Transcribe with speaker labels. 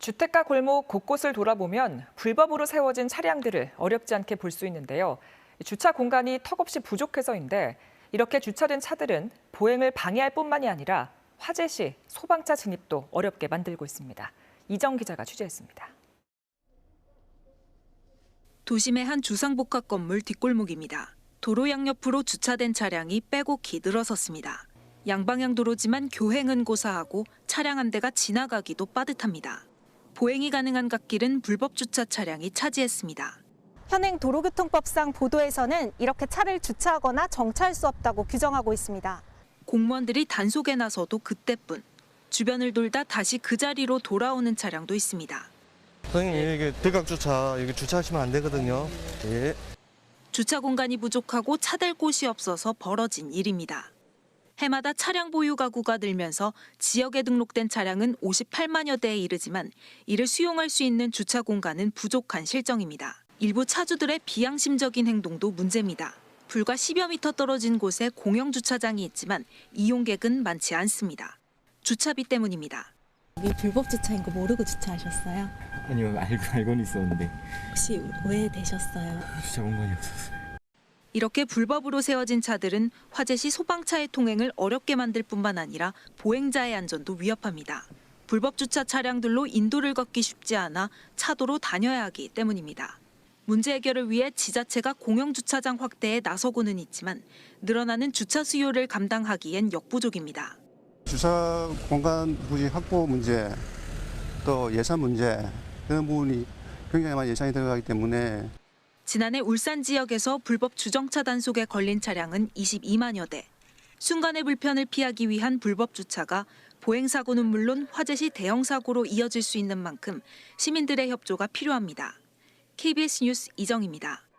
Speaker 1: 주택가 골목 곳곳을 돌아보면 불법으로 세워진 차량들을 어렵지 않게 볼 수 있는데요. 주차 공간이 턱없이 부족해서인데 이렇게 주차된 차들은 보행을 방해할 뿐만이 아니라 화재 시 소방차 진입도 어렵게 만들고 있습니다. 이정 기자가 취재했습니다.
Speaker 2: 도심의 한 주상복합 건물 뒷골목입니다. 도로 양옆으로 주차된 차량이 빼곡히 늘어섰습니다. 양방향 도로지만 교행은 고사하고 차량 한 대가 지나가기도 빠듯합니다. 보행이 가능한 갓길은 불법 주차 차량이 차지했습니다.
Speaker 3: 현행 도로교통법상 보도에서는 이렇게 차를 주차하거나 정차할 수 없다고 규정하고 있습니다.
Speaker 2: 공무원들이 단속에 나서도 그때뿐. 주변을 돌다 다시 그 자리로 돌아오는 차량도 있습니다.
Speaker 4: 선생님, 이게 대각 주차, 여기 주차하시면 안 되거든요. 예.
Speaker 2: 주차 공간이 부족하고 차댈 곳이 없어서 벌어진 일입니다. 해마다 차량 보유 가구가 늘면서 지역에 등록된 차량은 58만여 대에 이르지만 이를 수용할 수 있는 주차 공간은 부족한 실정입니다. 일부 차주들의 비양심적인 행동도 문제입니다. 불과 10여 미터 떨어진 곳에 공영 주차장이 있지만 이용객은 많지 않습니다. 주차비 때문입니다.
Speaker 5: 이게 불법 주차인 거 모르고 주차하셨어요?
Speaker 6: 아니요, 알고는 있었는데
Speaker 5: 혹시 오해되셨어요?
Speaker 6: 주차 공간이 없었어요.
Speaker 2: 이렇게 불법으로 세워진 차들은 화재 시 소방차의 통행을 어렵게 만들 뿐만 아니라 보행자의 안전도 위협합니다. 불법 주차 차량들로 인도를 걷기 쉽지 않아 차도로 다녀야 하기 때문입니다. 문제 해결을 위해 지자체가 공영 주차장 확대에 나서고는 있지만 늘어나는 주차 수요를 감당하기엔 역부족입니다.
Speaker 7: 주차 공간 부지 확보 문제, 또 예산 문제, 그런 부분이 굉장히 많이 예산이 들어가기 때문에
Speaker 2: 지난해 울산 지역에서 불법 주정차 단속에 걸린 차량은 22만여 대. 순간의 불편을 피하기 위한 불법 주차가 보행 사고는 물론 화재 시 대형 사고로 이어질 수 있는 만큼 시민들의 협조가 필요합니다. KBS 뉴스 이정입니다.